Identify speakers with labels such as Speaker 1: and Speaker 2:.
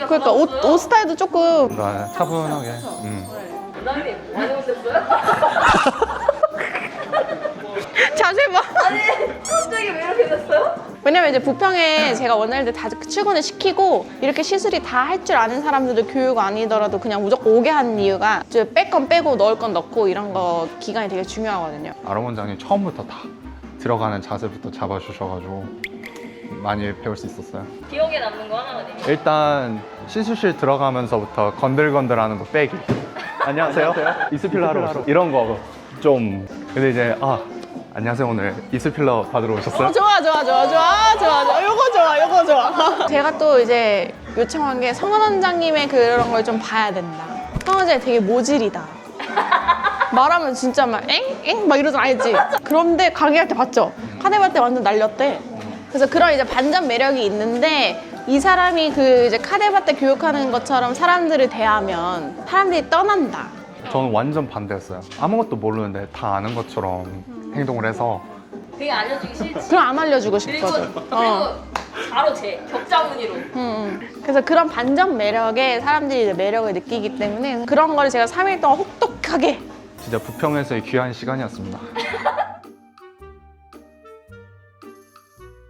Speaker 1: 그러니까 옷 스타일도 조금
Speaker 2: 뭔가 차분하게.
Speaker 3: 원장님 많이 오셨어요?
Speaker 1: 자세 봐.
Speaker 3: 아니 갑자기 왜 이렇게 됐어요?
Speaker 1: 왜냐면 이제 부평에 제가 원할 때 다 출근을 시키고 이렇게 시술이 다 할 줄 아는 사람들도 교육 아니더라도 그냥 무조건 오게 하는 이유가 이제 뺄 건 빼고 넣을 건 넣고 이런 거 기간이 되게 중요하거든요.
Speaker 2: 아론 원장님 처음부터 다 들어가는 자세부터 잡아주셔가지고 많이 배울 수 있었어요.
Speaker 3: 기억에 남는 거 하나만 얘기해.
Speaker 2: 일단 시술실 들어가면서부터 건들건들하는 거 빼기. 안녕하세요. 이스필러 하러 오셨어요. 이런 거 좀. 근데 이제 안녕하세요. 오늘 이스필러 받으러 오셨어요?
Speaker 1: 좋아. 요거 좋아. 제가 또 이제 요청한 게 성원 원장님의 그런 걸 좀 봐야 된다. 성원 원장님 되게 모질이다. 말하면 진짜 막 엥? 막 이러잖아, 알지? 그런데 강의할 때 봤죠? 카네발 때 완전 날렸대. 그래서 그런 이제 반전 매력이 있는데 이 사람이 그 이제 카네발 때 교육하는 것처럼 사람들을 대하면 사람들이 떠난다.
Speaker 2: 저는 완전 반대였어요. 아무것도 모르는데 다 아는 것처럼 행동을 해서
Speaker 3: 되게 알려주기 싫지.
Speaker 1: 그럼 안 알려주고
Speaker 3: 그리고
Speaker 1: 싶거든.
Speaker 3: 바로 격자무늬로.
Speaker 1: 그래서 그런 반전 매력에 사람들이 이제 매력을 느끼기 때문에 그런 거를 제가 3일 동안 혹독하게
Speaker 2: 진짜 부평에서의 귀한 시간이었습니다.